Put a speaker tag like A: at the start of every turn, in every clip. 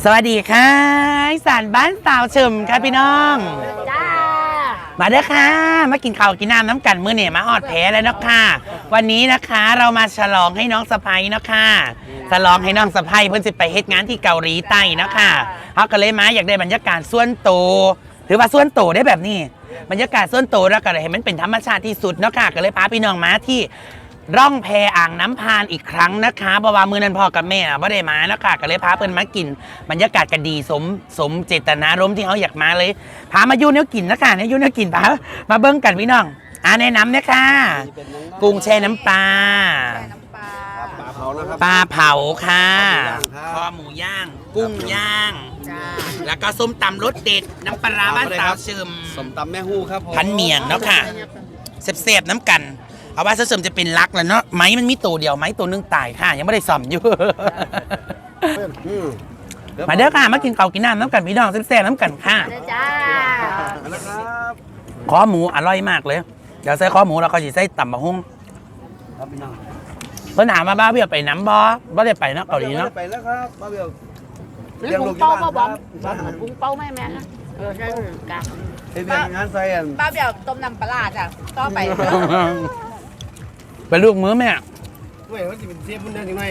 A: สวัสดีค่ะอีสานบ้านสาวเฉิมค่ะพี่น้อง
B: จ้า
A: มาเด้อค่ะมากินข้าวกินน้ำกันมื้อเนี่ยมาออดแผลแล้วเนาะค่ะวันนี้นะคะเรามาฉลองให้น้องสะใภ้เนาะค่ะฉลองให้น้องสะใภ้เพิ่นสิไปเฮ็ดงานที่เกาหลีใต้เนาะค่ะเขาก็เลยมาอยากได้บรรยากาศส่วนตัวถือว่าส่วนตัวได้แบบนี้บรรยากาศส่วนตัวแล้วก็เลยให้มันเป็นธรรมชาติที่สุดเนาะค่ะก็เลยพาพี่น้องมาที่ร่องแพอ่างน้ำพานอีกครั้งนะคะเพราะว่ามือนั้นพ่อกับแม่ไม่ได้มานะคะก็เลยพาเพิ่นมากินบรรยากาศกันดีสมเจตนารมณ์ที่เขาอยากมาเลยพามายุ่เนื้อกินนะคะเนี่ยยุ่เนื้อกินพามาเบิ้งกันพี่น้องแนะนำเนี่ยค่ะกุ้งแช่น้ำปลาปลาเผาค่ะคอหมูย่างกุ้งย่างแล้วก็ส้มตำรสเด็ดน้ำปลาบ้านสาวเชิม
C: ส้มตำแม่ฮู้ครับ
A: พันเมียงเนาะค่ะเสพน้ำกันเอาว่าเสริมจะเป็นรักแล้วเนาะไม้มันมีตัวเดียวไม้ตัวนึงตายค่ะยังไม่ได้ซ่อมอยู่มาเด้อค่ะมากินข้าวกินน้ำกันพี่น้องแซ่บๆน้ำกันค่ะ
B: จ้า
A: คอหมูอร่อยมากเลยเดี๋ยวใส่คอหมูแล้วก็จะใส่ตำบะฮุ่ง
C: ครับพี่น้อง
A: เพิ่นถามมาบ้าเบี้ยไปน้ำบ่ได้ไปเนาะเกาหลีเนาะ
C: ไปแล้วครับบ้าเบี้ย
B: เลี้ยงลูกที่บ้านครับบุ้งเป้าแม่ใช่กะ
C: เรียนงานไซน์
B: บ้าเบี้ยต้มน้ำปลาจ้ะต่อไป
A: ไปลูกมือแม่
C: เว้ยมันจะเป็นเชฟมันเดินยังไง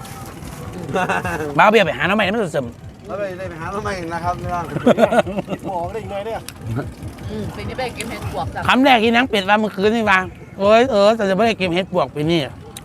A: บ้าเบี้ยไปหาน้ำใหม่ไม่ต้องเสริม
C: แล้วไปหาน้ำใหม่นะครับพี่น้องหมอได้ยังไงเนี่ย
B: ปีนี้ไปกินเห็ดบวกจ้ะ
A: คำแรกที่นังเป็ดว่าเมื่อคืนนี่ว่าแต่จะไม่ได้กินเห็ดบวกปีนี้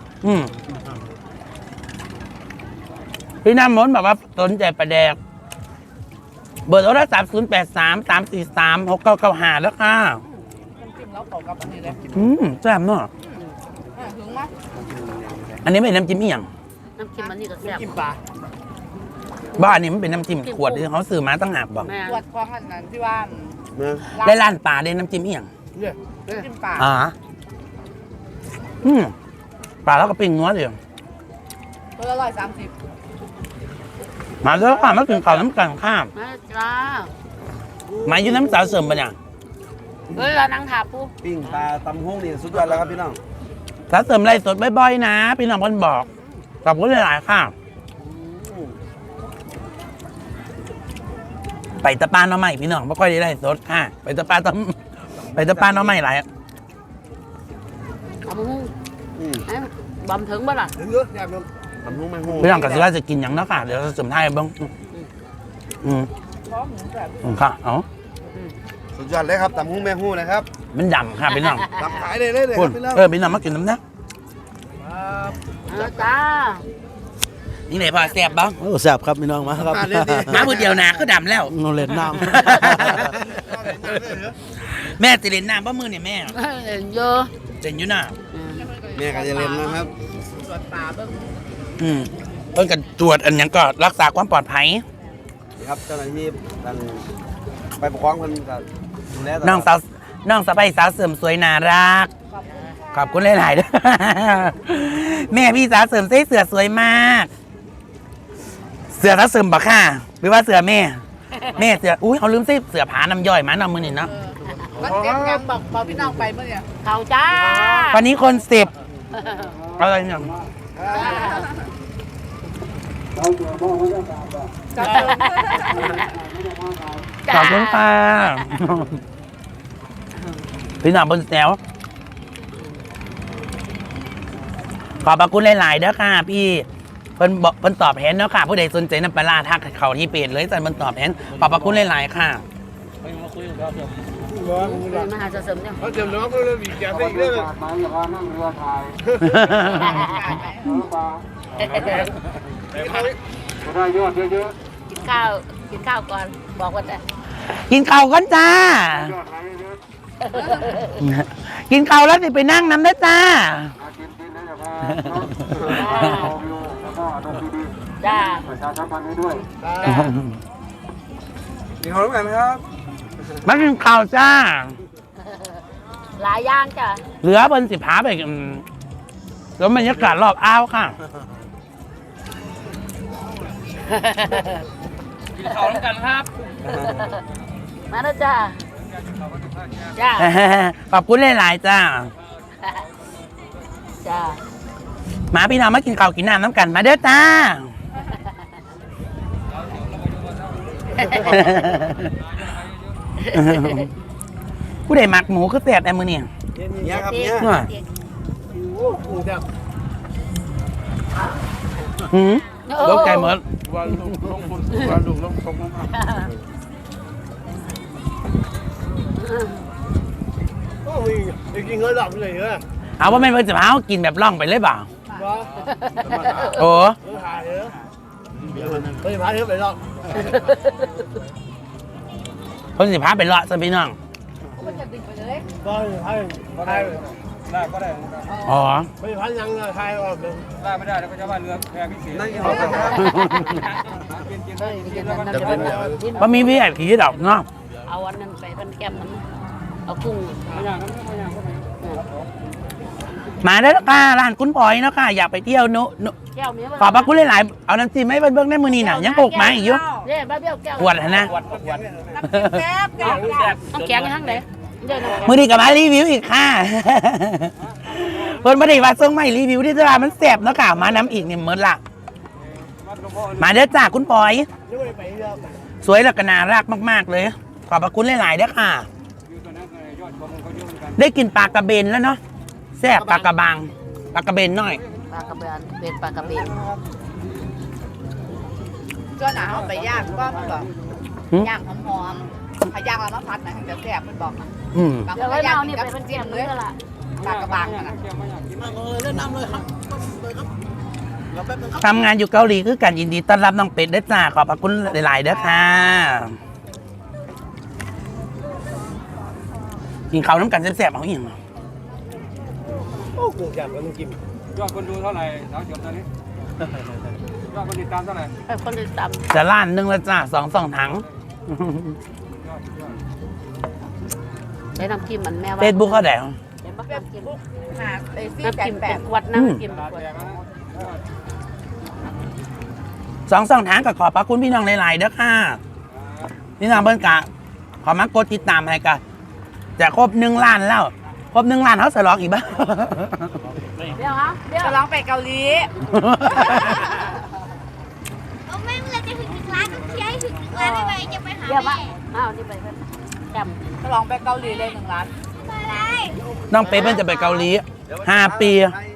A: พี่น้ำมนแบบว่าสนใจประแดกเบอร์โทรศัพท์083-343-6995แล้วค่ะ
B: จิ้มแล้วเป่ากับอันนี้เลย
A: แซ่บเนาะ
B: ถึงมั้ย
A: อันนี้ไม่เป็นน้ำจิ้มอีหยัง
B: น้ำจิ้มอันนี้ก็แซ่บ
C: จิ้มปลา
A: บ้านนี้มันเป็นน้ำจิ้มขวดที่เขาซื้อมาตั้งหากบอก
B: ขวดของอันนั้นที่ว่า
A: ได้ร้านปลาได้น้ำจิ้มอีหยัง
B: จิ้มปลา
A: ปลาแล้วก็ปิ้งนัวเดียว
B: ตัวละ130
A: มาแล้วค่ะมากินข้าวน้ำกันข้าม
B: จ้า
A: มาอยู่น้ำสาวเสริมปะเนี่ย
B: เรานั่งถาปู
C: ปิ้งปลาตำฮุ้งนี่สุดยอดแล้วครับพี่น้อง
A: สาวเสริมไล่สดบ่อยๆนะพี่น้องคนบอกขอบคุณหลายๆค่ะไปตะปาน้องใหม่พี่น้องไม่ค่อยได้ไล่สดค่ะไปตะปาน้องใหม่หลาย
B: บำถึงบ้างล่ะ
C: ถึงเยอะอยากโดนตำฮุ้งแม่ฮู้
A: พี่น้องกับสิว่าจะกินอย่างนั้นค่ะเดี๋ยวเสริมไทยบ้างค่ะ
C: สุดยอดเลยครับตำฮุ้งแม่ฮู้นะครับ
A: มันดำค่ะพี่น้อง
C: ตำขายเลยพี่น้อง
A: พี่น้องมากินน้ำนะ
B: จ้า
A: นี่ไหนพอแซ่บบ้าง
C: แซ่บครับพี่น้องมาครับ
A: มามือเดียวนะก็ดำแล้ว
C: นอนเล่นน้
A: ำแม่จะเล่นน้ำบ้ามือเนี่ยแม่
B: เล่นเยอะ
A: เล่นอยู่น่ะ
C: แม่ก็จะเล่นนะครับ
B: ตรวจป่าเบิ้ง
A: เพิ่งกันตรวจอันยังก็รักษาความปลอดภัย
C: ครับเจ้าหน้าที่ไปปกครองคนกับ
A: น้องสะใภ้สาวเสริมสวยน่ารักขอบคุณหลายๆด้วยแม่พี่สาวเสริมเสื้อสวยมากเสือสาวเสริมบักค่ะหรือว่าเสือแม่เสืออุ้ยเขาลืมเสือผาน้ำย่อยมาน้ำมือนี่เนาะ
B: มันเต็มยังบอกพี่น้องไปเมื่อเนี่ยเขาจ้า
A: วันนี้คน10อะไรเนี่ยขอบคุณค่ะพี่น้องบนแถวขอบคุณหลายๆเด้อค่ะพี่เพิ่นตอบแทนเนาะค่ะผู้ใดสนใจน้ำปลาทักเขาที่เพจเลยแต่มันตอบแทนขอบคุณหลายๆค่ะ
B: มหาเสริมเนี่ย
C: เขาเจิมน้องก็เลยมีแกได้อีกเลยมาอย่าพานั่งเรือถ่ายได้ยอดเยอะ
B: ๆกินข้าวก่อนบอกว่าจะ
A: กินข้าวก่อนจ้ากินข้าวแล้วสิไปนั่งน้ำได้จ้า
B: จ้า
C: ประชาสัมพันธ์ให้ด้วยมีความรู้กันไหมครับ
A: มากินข้าวจ้า
B: หลายย่างจ้ะ
A: เหลือบนสิบหาไปแล้วบรรยากาศรอบอ้าวค่ะกินข้าวแล้วกันครับ
B: มาแล้วจ้า
A: ขอบคุณหลายๆจ้ามาพี่น้องมากินข้าวกินน้ำกันมาเด้อจ้าผู้ใดมักหมูก็แซ่บแต่มื้อนี้
C: เนี่ยครับเนี่ย
A: ว่าหืมตกใจหมด
C: วันลุงลงบนวันลุงลงตรงนั้นโอ้ยกินเงินหลับเลยเหรอ
A: เอาว่าแม่นเพิ่นสิพาเฮากินแบบล่องไปเลยบ่าโอ้
C: ถ่ายเหรอไม่พาเธอไปหรอก
A: เพิ่นสิพาไปเลาะซะพี่น้อง
B: มันจะดึงไปเลย
C: ก็ได้ก็ได้
A: อ๋อ
C: ไม่พันยังไทยออกเลยได้ไม่ได้แล้วก็จะว่าเรือแพพิเศษนั่ง
A: บ่มีพี่ไอ้ผีดอกเนาะ
B: เอาอันนั้นไปเป็นแก้มมันเอากุ้ง
A: มาได้แล้วค่ะร้านคุณปอยเนาะค่ะอยากไปเที่ยวนุ
B: แก้วมี
A: ขอบพระคุณหลายๆเอาน้ำจิ้มให้เบิ่งได้มื้อนี้น่ะยังปกมาอีกอยู่
B: เนี่ยบ้าเบี้ยวแก้ว
A: ขวดนะ
B: แซ่บต้องแกงยังไงเดี๋ยว
A: มื้อนี้ก็มารีวิวอีกค่ะ เพิ่นบ่ได้ว่าส่งมาให้รีวิวที่ตลาดมันแซ่บเนาะค่ะมาน้ำอีกนี่หมดละมาเด้อจ้าคุณปอย สวยแล้วก็น่ารักมากๆเลย ขอบพระคุณหลายๆเด้อค่ะ ได้กินปลากระเบนแล้วเนาะแซ่บปลากระบังปลากระเบนหน่อย
B: ปลากระเบนเป็นปลากระเบน
D: ก็หนาเอาไปย่างก็มันบอก
A: หืม
D: ย่างหอมๆพย่างแล้วมาพัดนะถึงจะแซ่บมันบอกนะ
A: อืม
D: บางค
B: เดี๋ย
D: น
B: วไว้
D: ก็ย่าง
B: เอา
D: กิ
B: นี่
D: น
B: ไป
D: กับ
B: เป็น
D: จิ้
B: แก้
D: ม
B: ม
D: เล
B: เลย
D: ย
B: ละ
D: ปลากระบังนะ
A: ทำงานอยู่เกาหลีคือกันยินดีต้อนรับน้องเป็ดเด้อจ้าขอบพระคุณหลายๆเด้อค่ะกินข้าวน้ำกันแซ่บๆเอาอีกเหรอ
C: โอ้กูอยากมันกิน
E: ยอดคนดูเท่าไหร่สาวจบตอนนี้ยอดคนติดตามเท่าไหร่
B: ไอ้คนที่ตำ
A: จะล้านหนึงแล้วจ้าสองถัง
B: ใช้น้ำจิ้มมันแม่ว่า
A: เฟซบุ๊กเขาแดง
B: เห็นปะน้ำจิ้ม
D: หาไอ้ซี่
B: น้ำ
D: แป
B: จิ้ม
D: ดแป
B: เป็
D: ด
B: นขวดน้ำจิ้มขวด
A: สองถังกับขอบพระคุณพี่น้องหลายๆเด้อค่ะพี่น้องเบิ้ลกะขอมากดติดตามให้กันจะครบ1 ล้านแล้วครบ1 ล้านเขาฉลองอีกบ้าง
B: เดี๋ยวฮะเดี๋ยว
D: จะร้องไปเกาหลี
F: เอาแม่เวลาจะถึง1 ล้านต้องเที่ยวให้ถึง1 ล้านได้ไหมจะไปหา
B: เดี๋ยว
F: แม่
B: วะอ้าวนี่ไปเป็นแก้ม
D: จะร้องไปเกาหลีเลย1 ล้าน
F: ไปเลย
A: น้องเป๊เปิ้ลจะไปเกาหลี5 ปี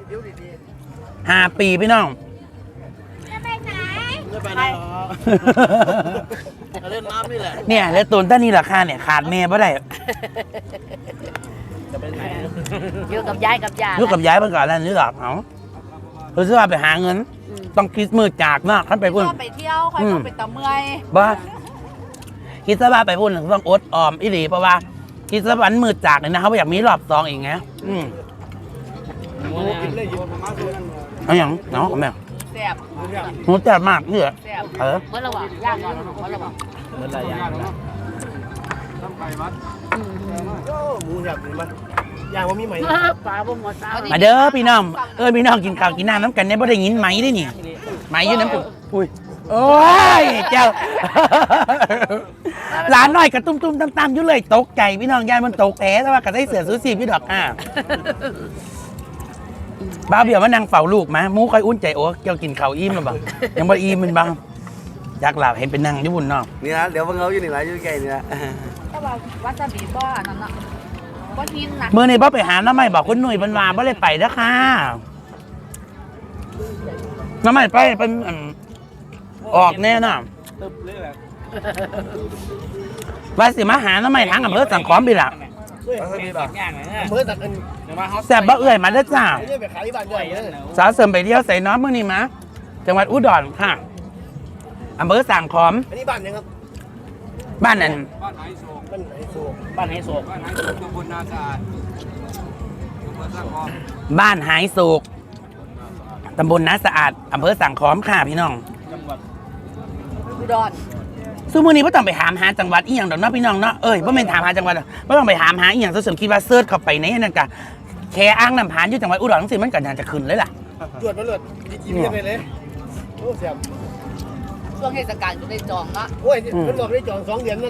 A: 5 ปีพี่น้อง
F: จะไปไหน
C: ไม่ไปไหนเล่นน้ำนี่แหละ
A: เนี่ยแล้วตูนต้นนี้ราคาเนี่ยขาดแม่บ่ได้
C: จะไปไหน
B: อยู่กับยายกับยา
A: ลูกกับย้ายเพิ่นก่อนแล้วนี่หรอกเอาเพิ่นสิว่าไปหาเงิน ต้องคิดมือจากเนาะคันไปพุ่น
D: ก็ไปเที่ยวคอยต้องไปตะเมื่อย
A: บ่คิดซะว่าไปพุ่นต้องอดออมอีหลีเพราะว่าคิดซะวันมือจากเนี่ยนะเขาบ่อยากมีรอบ2อีกไง
C: กินเลยอยู่ประมาณนั้น
A: เอาหยังเนาะแม่
D: แซ่บ
A: หนูแซ่บมากนี่เหรอ
D: แซ่บ
A: เออ
B: เมื่อระหว่างย่างเมื่อระหว่าง
C: เหมือนอะไรอย่างนั้น
E: ต้องไปวัด
C: โอ้หมูอยากกินมั้ยย่างว่ามีไหม
B: ปลาบ่หมดสาว
A: มาเด้อพี่น้องพี่น้องกินข้าวกินน้ำน้ำกันเนี่ยบ่ได้ยินไหมได้นี่ไหมอยู่น้ำกุอุ้ยโอ้ยเจ้า หลานน้อยกระตุ้มๆตามๆอยู่เลยตกใจพี่น้องยายมันตกแผลแต่ว่าก็ได้เสือซูซี่พี่ดอกบ้าเบี้ยวมานั่งเฝ้าลูกมาหมูค่อยอุ่นใจโอ้เกี่ยวกินข้าวอิ่มหรือเปล่ายังบ่อิ่มมันบ้างอยากหลับเห็นเป็นนั่งอยู่บนเนาะ
C: นี่นะเดี๋ยวเพิ่งเอาอยู่นี่ไรอยู่ใกล้นี่นะ
D: ก็ว่าวาซาบิบ่อันนั้นน่ะบ่หินนะ
A: เมื่อนี้บ่ไปหาน้ำใหม่บอกคุณหนุ่ยเป็นว่าบ่เลยไปเด้อค่ะน้ำใหม่ไปเป็นออกแน่น่ะ
E: ตึ๊บเลยแหละ
A: ว่าสิมาหาน้ำใหม่ทางอำเภอสังขอมบิล่ะ
C: เมื่อตัดกัน
A: แซ่บบ่เอื้อยมาเด้อจ้า
C: ไอ้เนี่ยไปขายที่บ้านใหญ่เลย
A: สาวเสริมไปเที่ยวใส่น้องมื้อนี้มาจังหวัดอุดรค่ะอำเภอสังขอม
C: อันนี้บ้านยังครับ
A: บ้านนั้น
E: บ้านไหโศก
C: บ้านไหนโซ่
E: บ้านไหโศกตำบลนาสะอาดตำบลสร้างคอม
A: บ้านหายโศกตำบลนาสะอาดอำเภอสังขอมค่ะพี่น้อง
E: จังหวัด
D: อุดร
A: ซึ่งมื้อนี้บ่ต้องไปถามหาจังหวัดอีหยังดอกเนาะพี่น้องเนาะบ่แม่นถามหาจังหวัดบ่ต้องไปถามหาอีหยังซะเสริมคิดว่าเสิร์ชเข้าไปในนั่นก็แค่อ้างน้ำผานอยู่จังหวัดอุดรจังซี่มันก็น่าจะขึ้นเลยล่ะ
C: จวดมาเลยยิ้มไปเลยโอ้เสียบ
D: ช่วงเทศกาลก็ได้จองละ
C: โอ้ยมันบอกได้จอง2 เดือนนั่น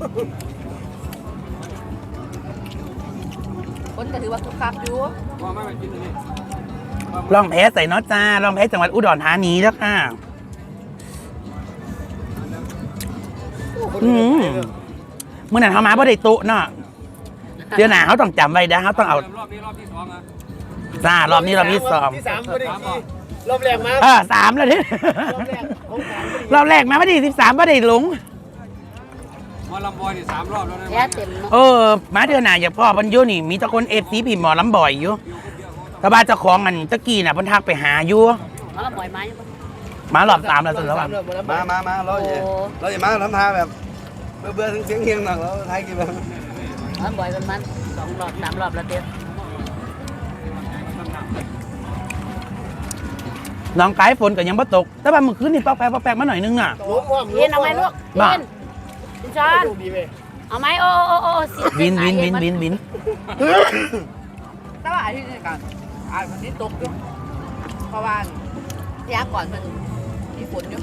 D: คนก็ถือว่าคึกคักอยู่
E: ว่าไม่ไปกินเลย
A: ลองแพ้ใส่เนาะจ้าลองแพ้จังหวัดอุดรธานีแล้วค่ะเมื่อนั้นเขามาบ่ได้โต๊ะเนาะเดี๋ยวหน้าเขาต้องจำไว้นะเขาต้องเอา
E: รอบนี้รอบที่ 2อ่ะ
A: จ้ารอบนี้รอบที่ 2
C: ที่ 3ไม่ได้ขี่รอบแรกมา
A: 3แล้วเนี่ย
C: รอบแรกของสาม
A: รอบแรกมาไม่ได้13ไม่ได้หลง
E: หมอลำบอยนี่3 รอบแล้วนะ
B: แย่เต็มเนาะ
A: มาเดือนหน้าอย่าพ่อพันอยุนี่มีแตะคนเอฟซีพี่หมอลำบ่อยอยู่แต่บ้านเจ้าของอันตะกี้น่ะเพิ่นทักไปหาอยู่
B: มาละบ่อยไหม
A: มารอบ3แล้วสุดแล้วว่ะ
C: มาเราอย่ามาทำท่าแบบเบื่อถึงเสียงเฮียงหนักแล้วไทยกี่แบบ
B: มาบ่อยประมาณ2 รอบ 3 รอบแล้วเต็ม
A: น้องไกด์ฝนก็ยังบ่ตก แต่ว่าเมื่อคืนนี่ปอกแปกมาหน่อยนึงน่ะ
B: เย็นเอาไหมลูกเย็นคุณชอนเอาไหมโอ้สิ
A: วิน
D: แต่ว่าอาทิตย์นี้กันวันนี้ตกอยู่เพราะว่ายาก่อนมันมีฝนอยู่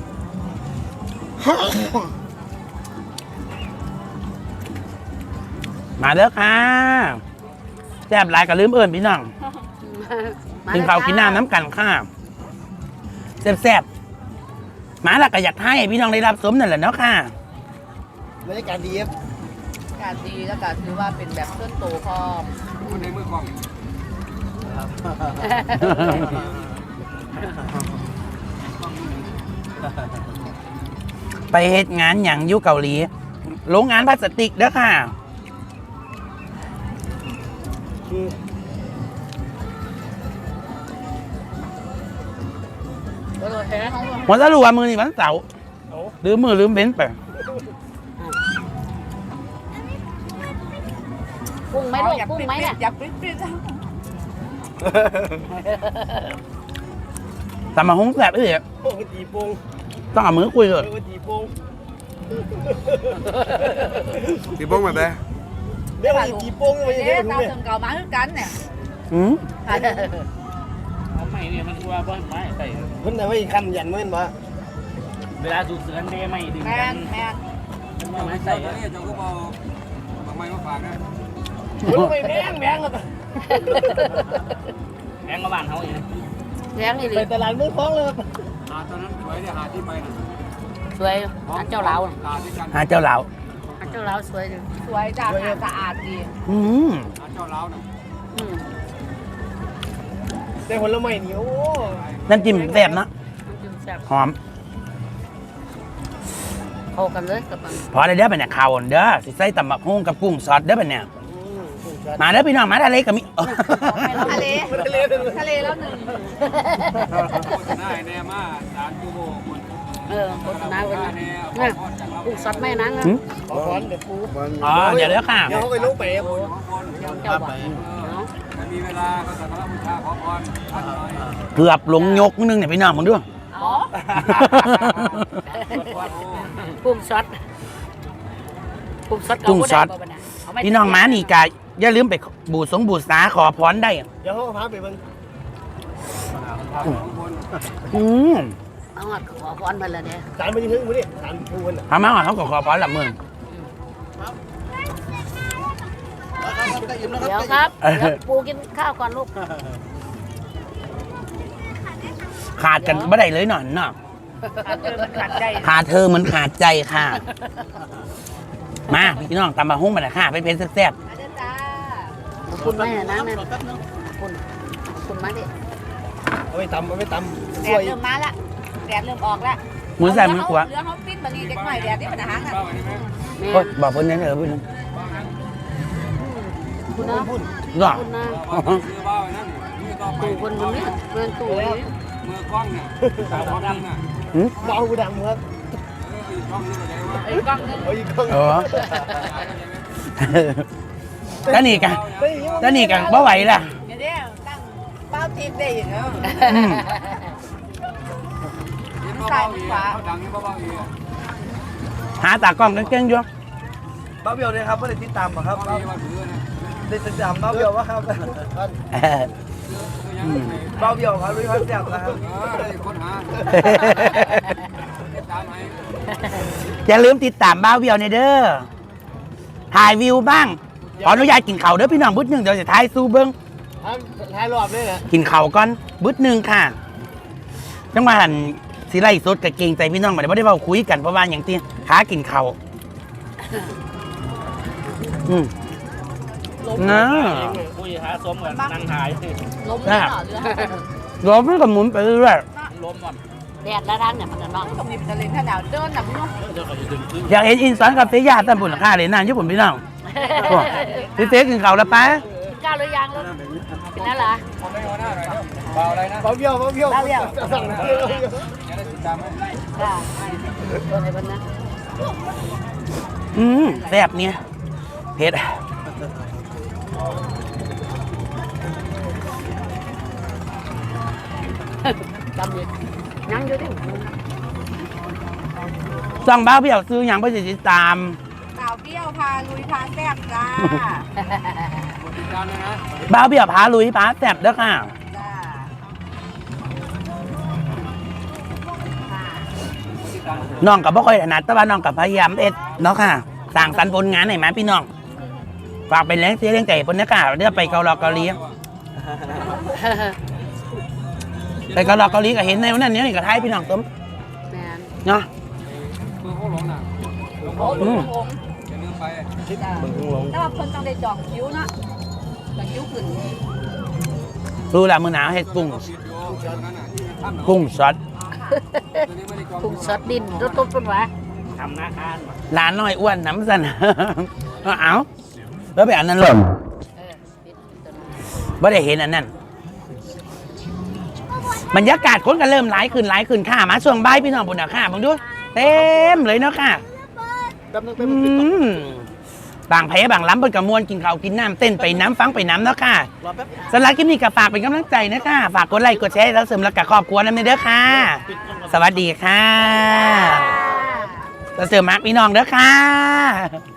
A: มาเด้อค่ะแซ่บหลายก็ลืมเอิ้นพี่น้องกินข้าวกินน้ำน้ำกันค่ะแซ่บๆมาแล้วก็อยากให้พี่น้องได้รับสมนั่นแหละเนาะค่ะ
C: บรรยากาศดีครับ
D: การดีแล้วก็ถือว่าเป็นแบบต้นโตพร้อม
E: คนในมือกล้อง
A: ไปเฮ็ดงานอย่างอยู่เกาหลีโรงงานพลาสติกเด้อค่ะ หัวสรุปว่ามือนี่วันเสาร์ลืมมือลืมเบ้นไป
B: กุ้งไหมลูกกุ้งไหมเนี่ย
D: อยากปิ้น
A: แต่มาหงแสบเอ้ย
C: โอ้ตีโป่ง
A: ต้องเอามือคุยเลย
C: ตีโป่งตีโป่งแบบไหนเรียกว่าตีโป่งไม่ใช่
D: เอ๊ะ
C: เรื่อง
D: ตาม
C: นี้
D: ถึงเก่ามาคือกันเนี่ย
A: อืม
G: ไม่เนี่ยมันว่าบ่ไม่ใส่
C: เพิ่นแต่ว่าอีกคันยันเมื่อนมา
G: เวลาสูบเสือนเดไม่ดึง
D: แม
G: กัน
D: แมน
G: ว่าไม่
E: ใส่
G: ใส่
E: เนี่ยเจ้าก็บอกบางไม้มาฝากนะ
C: มันไม่แพงแล้ว
G: แบงก์มาบ้านเขาอย่างนี้
B: แรงอีหลี
C: ไปตลาดมือคล้องเลย
E: หาตอนนั้นสวยเนี่ยหาที่ไปนะ
B: สวยอันเจ้าเหลา
E: หาที่กัน
A: หาเจ้าเหลา
B: อันเจ้าเหลาสวยดี
D: สวยจ้าสะอาดดี
A: อืม
E: หาเจ้าเล้านะ
B: อืม
C: แต่ผลไม้นี่โอ้
A: น้ำจิ้มแซ่บนะ
B: น้ำจิ้มแซ่บ
A: หอม
B: เข้ากันเลยกับมัน
A: พอได้เด้อเป็นเนี่ยข่าวเด้อสิใส่ตำบักหุ่งกับกุ้งสดเด้อเป็นเนี่ยมาเด้อพี่น้องมาทะเลกับมิ
D: ทะเลทะเลแล้วหนึ่ง
E: โฆษณาแน่มา3 ชั่วโมงคน
B: โฆษณาไว้นะเนี่ยกุ้งสดแม่นังนะ
A: หืม
C: ขอร้อนเดี๋ยวปู
A: อ๋อเดี๋ยวเด้อค่ะ
C: เดี๋ยวเขาไปลุกไป
B: เจ้าบอก
E: ถ้ามีเวลาก็สักการะบูชาขอพรท่านหน่อย
A: เกือบลงยกนึงเนี่ยพี่น้องมึงด้วย
B: อ๋อกุ้งสดกุ้งสด
A: กุ้งสด พี่น้องมานี่กายอย่าลืมไปบูษาขอพรได้
C: เดี๋ยวเขาพาไปเบิ่ง
A: อืม
B: เอาหัดขอพรมาแล้วเนี่ย
C: สารมันยังถึงมื้อนี้สารปูน
A: ทำมาก่อนเขาก็ขอพรละมึง
B: เดี๋ยวครับเดี๋ยวปูกินข้าวก่อนลูก
A: ขาดกันไม่ได้เลยหน่อยเนาะ
D: ขัดใจ
A: ขาดเธอเหมือนขาดใจค่ะ มาพี่น้องตำบะฮุ้งมาเลยค่ะเป็นเพชรแซ่บ
D: อาจารย์จ้า
B: ขอบคุณแม่นะแม่ขอบคุณมาดิ
C: เอาไปตำ
D: แด
C: ช่ว
D: ด
C: ย
D: เริ่มมาละแดดเริ่มออกละ
A: ๆมือใส่มือขวา
D: เรือเขาปิ้นบะหมี่เด็กใหม่แดดนี่เป็นอาหารอ่ะ
E: เบ้าอันนี้ไหม
B: แม่
A: โอ๊ยบอกเพิ่นนั่นเออพี่น้อง
B: คุณนะ
A: เนาะ
B: คุณนะ
E: ซื้อเบ้าอันนั้นนี่ต่อไป
B: ตู่คนบนนี้เมืองตู่นี้
E: มือกล้องเนี่ยสาวดำน่ะ
A: หืม
C: เบาดำครับ
E: อีกกล้องนึงก็ได้ว่า
D: ไอ้กล้องนึง
C: เอาอีกครั้ง
A: เออแล้วนี่กันแล้วนี่กันบ่ไหวล่ะ
D: เดี๋ยวตั้งเป้าทิพย์ได้อย่างเงี้ย
A: อืม
E: เบ้าอีกเขาดังนี่เบ้าอีก
A: หาตากล้องเก่งๆอยู่
C: บ้าเบี้ยวเลยครับไม่ได้ติดตามหรอครับ
E: เบ้าอีกว่าถือนะ
C: ได้ติดตามบ้าเบี้ยววะครับ
A: เออ
E: ยังไง
C: บ้าเบี้ยวครับรู้ครับแซ่บนะครับ
E: คนหาตามให้
A: อย่าลืมติดตามบ้าวเวียวในเด้อถ่ายวิวบ้างขออนุญาตกินข้าวเด้อพี่น้องบึดหนึงเดี๋ยวจะถ่ายสู้เบิ้ง
C: ท้ายรอบเลยนะ
A: กินข้าวก่อนบึดหนึงค่ะจังหวะหันสิไล่สดกับเกรงใจพี่น้องมาได้บ่ได้เว้าคุยกันเพราะว่าอย่างที่หากินข้าวอืม
G: ลม
A: นะ
G: คุยหาสมกันนั่งหาย
B: ลมเลยเหรอเรือ
A: รถมันก็หมุนไปเรื่อย
G: ลมก่อน
B: แดดแล้วร้านเนี่ยมันจะนอน
D: ตรงนี้เป็นทะเลถ้าหนาวเดินหนักเนาะ
G: เดี๋ยวก็จะดึงขึ้น
A: อยากเห็นอินสอนกับเสียยาตามบุญค่าเลยนานญี่ปุ่นพี่น้องโอ้พี่เต๊กินข้าวแล้วปะ
B: กินข้าวหรือยังลูกกินแล้วเหรอ
E: ผมไม่เอาหน้าหน่อยเดี๋ยวเบาอะไรนะ
C: เบาเบี้ยว
B: เล่าเรียว
E: อย่าได้ติดตามให้
B: จ้าตัวไหนบ้างนะ
A: แซ่บเนี่ยเผ็ด
B: จำเลยนั่งอยู่ดิ
A: สั่งบ้าพี่เอาซื้ออย่างไปติดตาม
D: สาวเปรี้ยวพาลุยพาแซ่บจ้า
E: ติดตามเลยนะ
A: บ้าพี่เอาพาลุยพาแซ่บเด้อค่ะ
D: จ้า
E: ติดตาม
A: น้องกับบ่ค่อยถนัดแต่ว่าน้องกับพยายามเอ็ดเนาะค่ะสั่งสรรค์ผลงานให้มาพี่น้องฝากเป็นแรงเสียแรงใจบนนี้ค่ะเดี๋ยวไปเกาหลีเกาหลีไปเกาหลีเกาหลีก็เห็นในวันนั้นนี่ก็ท้ายพี่น้องต้ม
B: แมน
A: เนาะ
E: คือเขาหลงน่ะหลง
D: โอ้ลุงลง
E: อย่าลืมไป
D: จ้าแต่ว่าคนต้องได้จองคิ้วนะจองคิ้วขึ้น
A: รู้แล้วมื้อหนาวเฮ็ดกุ้ง
E: ติดอยู่นั่นน่ะที่ทำ
A: กุ้งสด
E: ตัวนี้ไม่ได้จอง
B: กุ้งสดดินรถตุ๊บเป็นวะ
G: ทำหน้าคาน
A: หลานน้อยอ้วนน้ำสั่น เอาแล้วไปอันนั้นหล่น
B: ปิดตัวนั้น
A: ไม่ได้เห็นอันนั้นบรรยากาศคนก็เริ่มหลายขึ้นค่ะมาช่วงบ่ายพี่น้องบุญนะค่ะมึงดูเต็มเลยเนาะค่ะบางแพ้บางล้ำบนกระมวลกินข้าวกินน้ำเต้นไปน้ำฟังไปน้ำเนาะค่ะสำหรับคลิปนี้ก็ฝากเป็นกำลังใจนะคะฝากกดไลค์กดแชร์แล้วเสริมแล้วกับครอบครัวนั่นเด้อค่ะ สวัสดีค่ะแล้วเสริมมาร์กพี่น้องเด้อค่ะ